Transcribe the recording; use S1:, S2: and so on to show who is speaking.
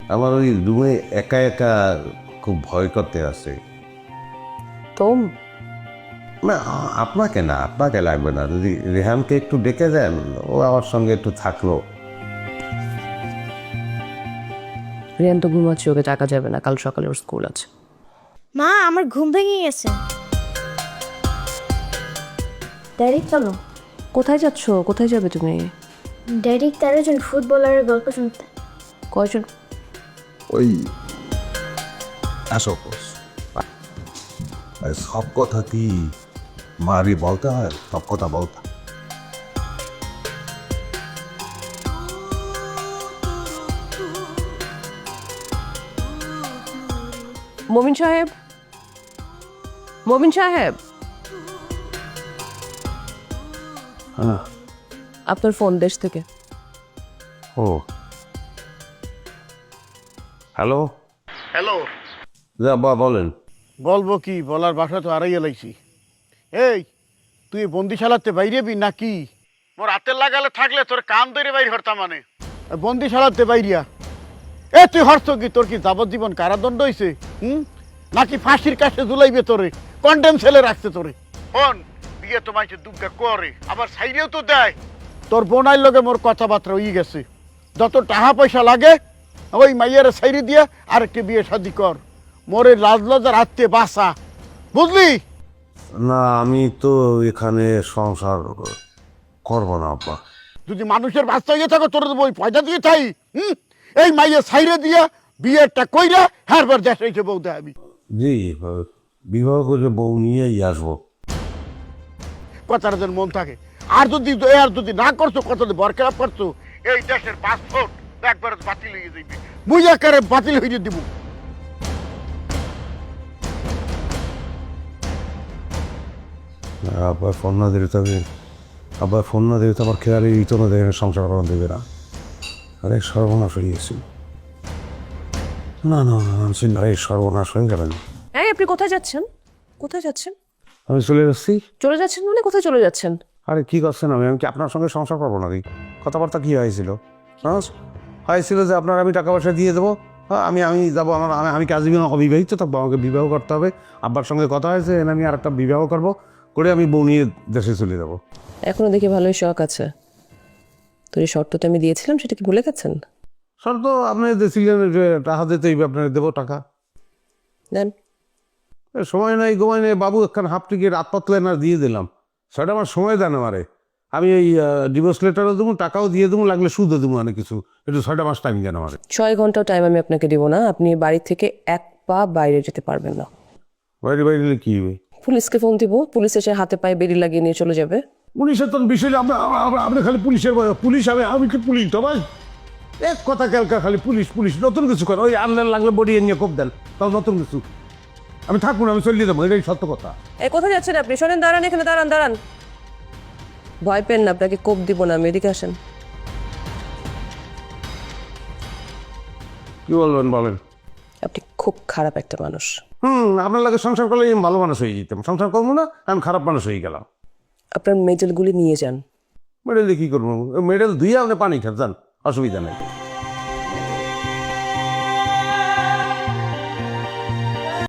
S1: আমার ওই রুমে একা একা খুব ভয় করতে আছে।
S2: তো
S1: না আপনাকে না, আপনাকে লাগবে না, যদি রেহানকে একটু ডেকে দেন, ও আমার সঙ্গে একটু থাকলো।
S2: রিয়ান তো ঘুমাচ্ছে, ওকে টাকা যাবে না, কাল সকালে ওর স্কুল আছে।
S3: মা আমার ঘুম ভেঙে গেছে। ড্যাডি চলো।
S2: কোথায় যাচ্ছ? কোথায় যাবে তুমি?
S3: ড্যাডি 13 জন ফুটবলারের গল্প শুনতে।
S2: কয়জন?
S1: ওই আসো সব কথা কি মারি বলতে হয়? সব কথা বলতে
S2: মমিন সাহেব, মমিন সাহেব,
S1: হ্যাঁ।
S2: আপনার ফোন দেশ থেকে।
S1: ও হ্যালো
S4: হ্যালো,
S1: যা বলেন।
S4: বলবো কি, বলার ভাষা তো আড়াই এলাইছি। এই তুই বন্দিশালাতে বাইরেবি নাকি? মোর হাতের লাগালে থাকলে তোর কান ধরে বাইর হরতাম, মানে বন্দিশালাতে বাইরিয়া। এ তুই হরছ কি? তোর কি যাবজ্জীবন কারাদণ্ড হয়েছে? নাকি ফাঁসির কাছে ঝুলাইবে তোরে? কন্ডেম সেলে রাখছে তোরে। ফোন বিয়ে তো মাইছে দুর্গা করে, আবার সাইডেও তো দেয়। তোর বোনাইর লগে মোর কথাবার্তা হয়ে গেছে। যত টাকা পয়সা লাগে ওই মাইয়ার সাইডে দিয়া আরেকটি বিয়ে শাদি কর। মোরে লাজ লজার হাতে বাসা, বুঝলি?
S1: না আমি তো এখানে সংসার করবো না আব্বা।
S4: যদি মানুষের বাচ্চা হয়ে থাকো তোর ওই পয়সা দিয়ে চাই। এই মাইয়া সাইরে দিয়া বিয়েটা কইরা হারবার দেশ হয়েছে বউ দেখাবি।
S1: জি, বিবাহ করে বউ নিয়েই আসবো।
S4: কথাটা যেন মন থাকে। আর যদি না করছো, কথা বরখেলাপ করছো, এই দেশের পাসপোর্ট একবার বাতিল হয়ে যাইবে। মুই একারে বাতিল হয়ে দিব।
S1: আব্বা ফোন না দিলে তবে আব্বা ফোন না দিলে তো আমার খেয়ালে দিত না, দেখে সংসার করা দেবে না। আরে সর্বনাশ হয়ে গেছি। না না না আমি ভাই সর্বনাশ হয়ে যাবেন।
S2: এই আপনি কোথায় যাচ্ছেন? কোথায় যাচ্ছেন?
S1: আমি চলে যাচ্ছি।
S2: চলে যাচ্ছেন মানে কোথায় চলে যাচ্ছেন?
S1: আরে কি করছেন? আমি কি আপনার সঙ্গে সংসার করবো নাকি? কথাবার্তা কি হয়েছিল? হয়েছিল যে আপনার আমি টাকা পয়সা দিয়ে দেবো, আমি যাবো, আমি কাজী অবিবাহিত থাকবো, আমাকে বিবাহ করতে হবে। আব্বার সঙ্গে কথা হয়েছে, আমি আর একটা বিবাহ করবো, করে আমি বউ নিয়ে দেশে চলে যাবো।
S2: এখনো দেখি ভালোই শখ আছে। তোর এই শর্তটা আমি দিয়েছিলাম, সেটা কি ভুলে গেছেন?
S1: স্যার তো আপনি দিয়েছিলেন যে টাকা দিতেই আপনার দেবো টাকা।
S2: দেন।
S1: সময় নাই গোমায় নেই বাবু, একখান হাফ টিকিট রাত পাতলেন আর দিয়ে দিলাম। সেটা আমার সময় দেন আমারে। আমি এই ডিভোর্স লেটারও দেবো, টাকাও দিয়ে দেবো, লাগলে সুদও দেবো, অনেক কিছু। একটু 6 মাস টাইম দেন আমারে।
S2: 6 ঘন্টাও টাইম আমি আপনাকে দিব না। আপনি বাড়ি থেকে এক পা বাইরে যেতে পারবেন না।
S1: বাইরে বাইরে গেলে কি হবে?
S2: পুলিশকে ফোন দিব, পুলিশ এসে হাতে পায়ে বেরি লাগিয়ে নিয়ে চলে যাবে।
S1: পুলিশের তো বিষয় আপনি খালি পুলিশের পুলিশ, আমি কি পুলিশ তো ভাই? এক কথা ক্যালকা খালি পুলিশ পুলিশ, নতুন কিছু করে ওই আনলেন লাগলে বডি নিয়ে কোপ দেন, তাও নতুন কিছু। আমি থাকুন, আমি চলিয়ে দেবো, এটাই সত্য কথা।
S2: এই কোথায় যাচ্ছেন আপনি? শোনেন, দাঁড়ান এখানে, দাঁড়ান দাঁড়ান। ভয় পেন না, আপনাকে কোপ দিব না আমি। এদিকে আসেন।
S1: কি বলবেন বলেন?
S2: আপনি খুব খারাপ একটা মানুষ।
S1: আপনার লাগে সংসার করলে আমি ভালো মানুষ হয়ে যেতাম, সংসার করবো না, আমি খারাপ মানুষ হয়ে গেলাম।
S2: আপনার মেডেলগুলি নিয়ে যান।
S1: মেডেল দিয়ে কী করবো? মেডেল ধুয়ে আপনি পানি খান, যান, অসুবিধা নেই।